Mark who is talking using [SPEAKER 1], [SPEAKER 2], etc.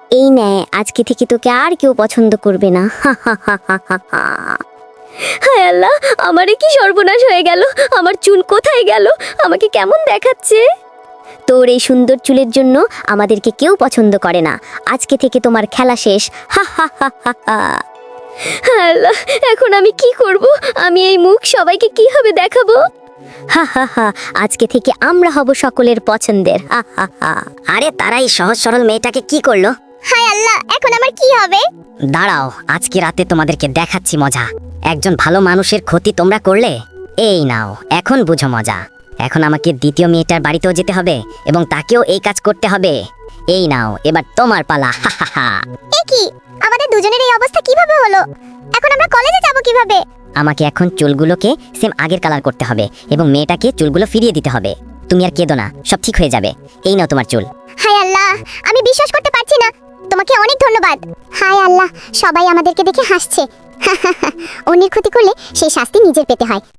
[SPEAKER 1] এই নে, আজকে থেকে তোকে আর কেউ পছন্দ করবে না। হায় আল্লাহ, আমারে কি সর্বনাশ হয়ে গেল! আমার চুল কোথায় গেল? আমাকে কেমন দেখাচ্ছে! তোর এই সুন্দর চুলের জন্য আমাদেরকে কেউ পছন্দ করে না। আজকে থেকে তোমার খেলা শেষ। হা হা হা হা হা। হায় আল্লাহ, এখন আমি কি করব? আমি এই মুখ সবাইকে কিভাবে দেখাবো? হা হা হা, আজকে থেকে আমরা হব সকলের পছন্দের। হা হা হা।
[SPEAKER 2] আরে তারা এই সহজ সরল মেয়েটাকে কি করলো?
[SPEAKER 1] হায় আল্লাহ, এখন আমার কি হবে?
[SPEAKER 2] দাঁড়াও, আজকে রাতে তোমাদেরকে দেখাচ্ছি মজা। একজন ভালো মানুষের ক্ষতি তোমরা করলে, এই নাও এখন বুঝো মজা। এখন আমাকে দ্বিতীয় মেয়েটার বাড়িতেও যেতে হবে এবং তাকেও এই কাজ করতে হবে। এই নাও, এবার তোমার পালা। হা হা হা।
[SPEAKER 1] এ কি, আমাদের দুজনের এই অবস্থা কিভাবে হলো? এখন আমরা কলেজে যাব কিভাবে?
[SPEAKER 2] আমাকে এখন চুলগুলোকে সেম আগের কালার করতে হবে এবং মেয়েটাকে চুলগুলো ফিরিয়ে দিতে হবে। তুমি আর কেঁদো না, সব ঠিক হয়ে যাবে। এই নাও তোমার চুল।
[SPEAKER 1] হায় আল্লাহ, আমি বিশ্বাস করতে পারছি না। তোমাকে অনেক ধন্যবাদ। হায় আল্লাহ, সবাই আমাদেরকে দেখে হাসছে। অন্যের ক্ষতি করলে সেই শাস্তি নিজের পেতে হয়।